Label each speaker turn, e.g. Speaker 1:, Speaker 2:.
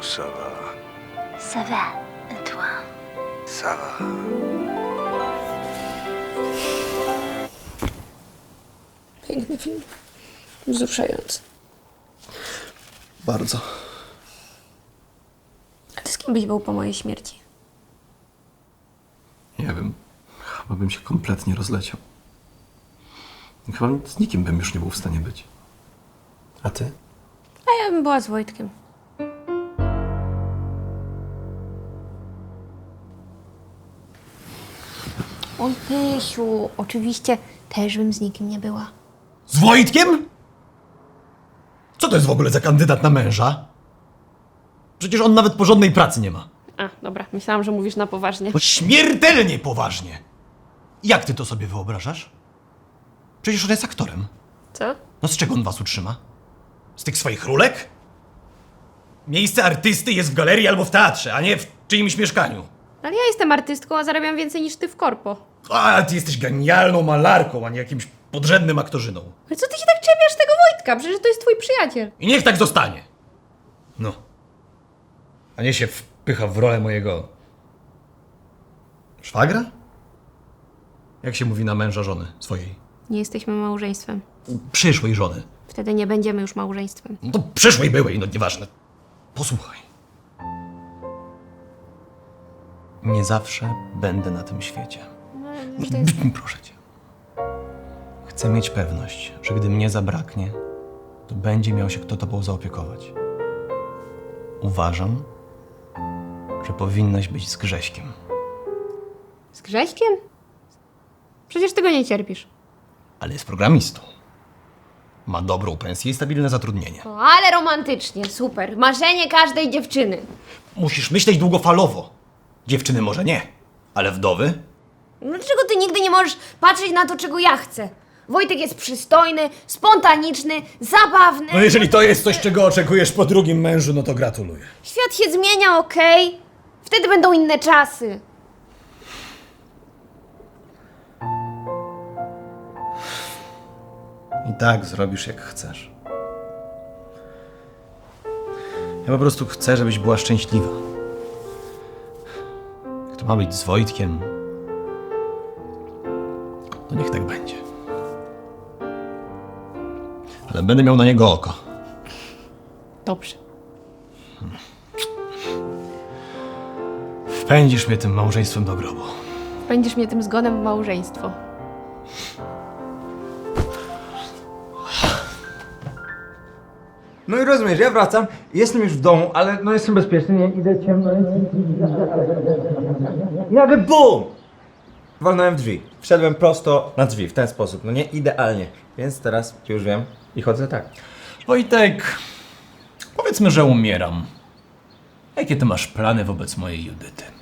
Speaker 1: ça va.
Speaker 2: Ça va, et toi?
Speaker 1: Ça va.
Speaker 3: Piękny film. Wzruszający.
Speaker 4: Bardzo.
Speaker 3: A ty z kim byś był po mojej śmierci?
Speaker 4: Nie wiem. Chyba bym się kompletnie rozleciał. Chyba z nikim bym już nie był w stanie być. A ty?
Speaker 3: A ja bym była z Wojtkiem. Oj, Pysiu, oczywiście też bym z nikim nie była.
Speaker 4: Z Wojtkiem? Co to jest w ogóle za kandydat na męża? Przecież on nawet porządnej pracy nie ma.
Speaker 3: A, dobra, myślałam, że mówisz na poważnie.
Speaker 4: Bo śmiertelnie poważnie. Jak ty to sobie wyobrażasz? Przecież on jest aktorem.
Speaker 3: Co?
Speaker 4: No z czego on was utrzyma? Z tych swoich rulek? Miejsce artysty jest w galerii albo w teatrze, a nie w czyimś mieszkaniu.
Speaker 3: Ale ja jestem artystką, a zarabiam więcej niż ty w korpo.
Speaker 4: A ty jesteś genialną malarką, a nie jakimś podrzędnym aktorzyną.
Speaker 3: Ale co ty się tak czepiasz tego Wojtka? Przecież to jest twój przyjaciel.
Speaker 4: I niech tak zostanie. No. A nie się wpycha w rolę mojego... szwagra? Jak się mówi na męża żony swojej?
Speaker 3: Nie jesteśmy małżeństwem.
Speaker 4: Przyszłej żony.
Speaker 3: Wtedy nie będziemy już małżeństwem.
Speaker 4: No to przyszłej byłej, no nieważne. Posłuchaj. Nie zawsze będę na tym świecie. Proszę cię. Chcę mieć pewność, że gdy mnie zabraknie, to będzie miał się kto tobą zaopiekować. Uważam, że powinnaś być z Grześkiem.
Speaker 3: Z Grześkiem? Przecież ty go nie cierpisz.
Speaker 4: Ale jest programistą. Ma dobrą pensję i stabilne zatrudnienie.
Speaker 3: O, ale romantycznie, super. Marzenie każdej dziewczyny.
Speaker 4: Musisz myśleć długofalowo. Dziewczyny może nie, ale wdowy?
Speaker 3: Dlaczego ty nigdy nie możesz patrzeć na to, czego ja chcę? Wojtek jest przystojny, spontaniczny, zabawny.
Speaker 4: No jeżeli to jest coś, czego oczekujesz po drugim mężu, no to gratuluję.
Speaker 3: Świat się zmienia, okej? Wtedy będą inne czasy.
Speaker 4: I tak zrobisz jak chcesz. Ja po prostu chcę, żebyś była szczęśliwa. Jak to ma być z Wojtkiem, to niech tak będzie. Ale będę miał na niego oko.
Speaker 3: Dobrze.
Speaker 4: Wpędzisz mnie tym małżeństwem do grobu.
Speaker 3: Będziesz mnie tym zgonem w małżeństwo.
Speaker 5: No i rozumiesz, ja wracam, jestem już w domu, ale no jestem bezpieczny, nie idę ciemno. I nagle BUM! Walnąłem w drzwi. Wszedłem prosto na drzwi, w ten sposób, no nie idealnie. Więc teraz już wiem i chodzę tak.
Speaker 6: Wojtek, powiedzmy, że umieram. Jakie ty masz plany wobec mojej Judyty?